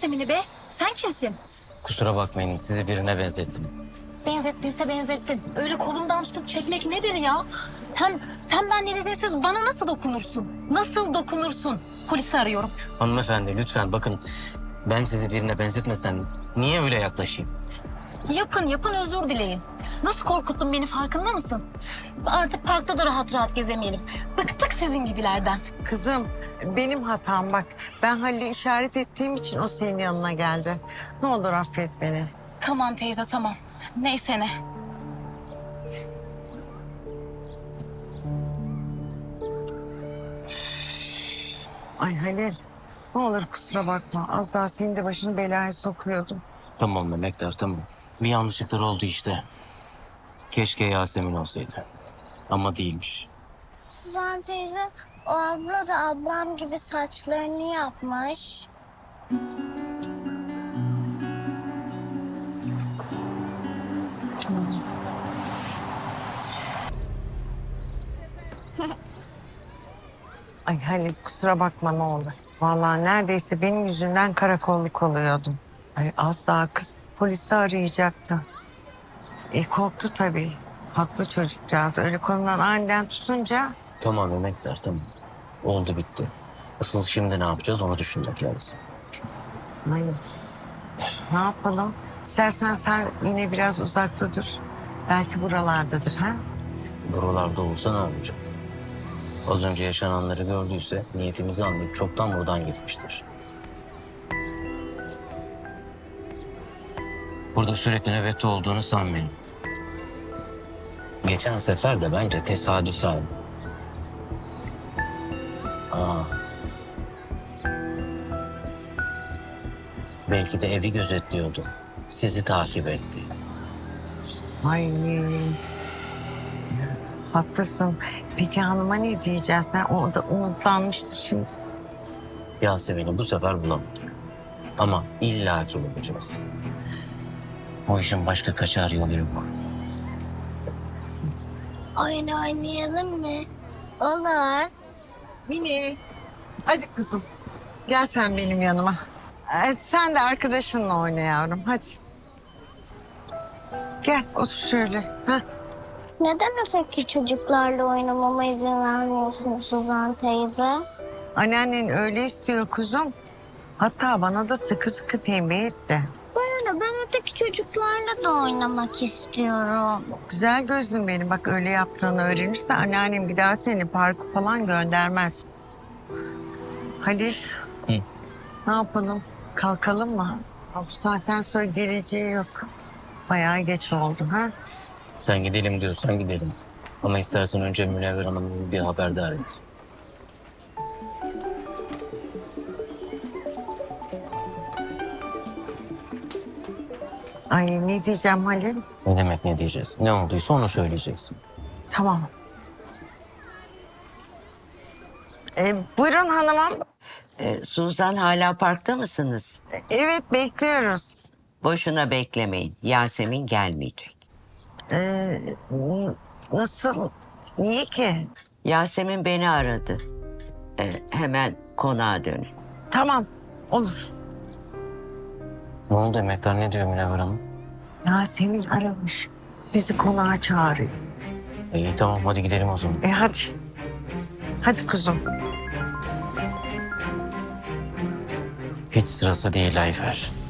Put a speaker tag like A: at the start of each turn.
A: Yasemin'i be? Sen kimsin?
B: Kusura bakmayın, sizi birine benzettim.
A: Benzettiyse benzettin. Öyle kolumdan tutup çekmek nedir ya? Hem sen benden izinsiz bana nasıl dokunursun? Nasıl dokunursun? Polisi arıyorum.
B: Hanımefendi lütfen bakın, ben sizi birine benzetmesem niye öyle yaklaşayım?
A: Yapın özür dileyin. Nasıl korkuttun beni farkında mısın? Artık parkta da rahat rahat gezemeyelim. Bıktık sizin gibilerden.
C: Kızım benim hatam bak. Ben Halil'e işaret ettiğim için o senin yanına geldi. Ne olur affet beni.
A: Tamam teyze tamam. Neyse ne.
C: Ay Halil ne olur kusura bakma. Az daha senin de başını belaya sokuyordum.
B: Tamam Mehmetler, tamam. Bir yanlışlıklar oldu işte. Keşke Yasemin olsaydı. Ama değilmiş.
D: Suzan teyze, o abla da ablam gibi saçlarını yapmış.
C: Ay Halil kusura bakma ne olur. Vallahi neredeyse benim yüzümden karakolluk oluyordum. Ay az daha kız polisi arayacaktı. Korktu tabii. Haklı çocukcağız. Öyle kolundan aniden tutunca...
B: Tamam Mehmetler, tamam. Oldu bitti. Asıl şimdi ne yapacağız onu düşünmek lazım.
C: Ay, ne yapalım? İstersen sen yine biraz uzakta dur. Belki buralardadır ha?
B: Buralarda olsa ne yapacak? Az önce yaşananları gördüyse niyetimizi anlayıp çoktan buradan gitmiştir. Burada sürekli nöbette olduğunu sanmayın. Geçen sefer de bence tesadüfen. Belki de evi gözetliyordu. Sizi takip etti.
C: Ay haklısın. Peki hanıma ne diyeceğiz? Sen orada umutlanmıştır şimdi.
B: Yasemin'i bu sefer bulamadık. Ama illaki bulacağız. O işin başka kaçar yolu yok.
D: Oyun oynayalım mı? Olur.
C: Mini. Hadi kızım. Gel sen benim yanıma. Sen de arkadaşınla oyna yavrum. Hadi. Gel otur şöyle. Ha.
D: Neden öteki çocuklarla oynamama izin vermiyorsun Suzan teyze?
C: Anneannen öyle istiyor kuzum. Hatta bana da sıkı sıkı tembih etti.
D: Ben öteki çocuklarla da oynamak istiyorum.
C: Güzel gözlüm benim. Bak öyle yaptığını öğrenirse anneannem bir daha seni parka falan göndermez. Halil.
B: Hı.
C: Ne yapalım? Kalkalım mı? Bu saatten sonra geleceği yok. Bayağı geç oldu ha?
B: Sen gidelim diyorsan gidelim. Ama istersen önce Münevver Hanım'ı bir haberdar et.
C: Ay ne diyeceğim Halil?
B: Ne demek ne diyeceğiz? Ne olduysa onu söyleyeceksin.
C: Tamam. Buyurun hanımım.
E: Suzan hala parkta mısınız?
C: Evet bekliyoruz.
E: Boşuna beklemeyin. Yasemin gelmeyecek.
C: Nasıl? Niye ki?
E: Yasemin beni aradı. Hemen konağa dönün.
C: Tamam olur.
B: Ne oldu emektar, ne diyor Münevver Hanım?
C: Yasemin aramış. Bizi konağa çağırıyor.
B: İyi tamam, hadi gidelim o zaman.
C: Hadi. Hadi kuzum.
B: Hiç sırası değil Ayfer.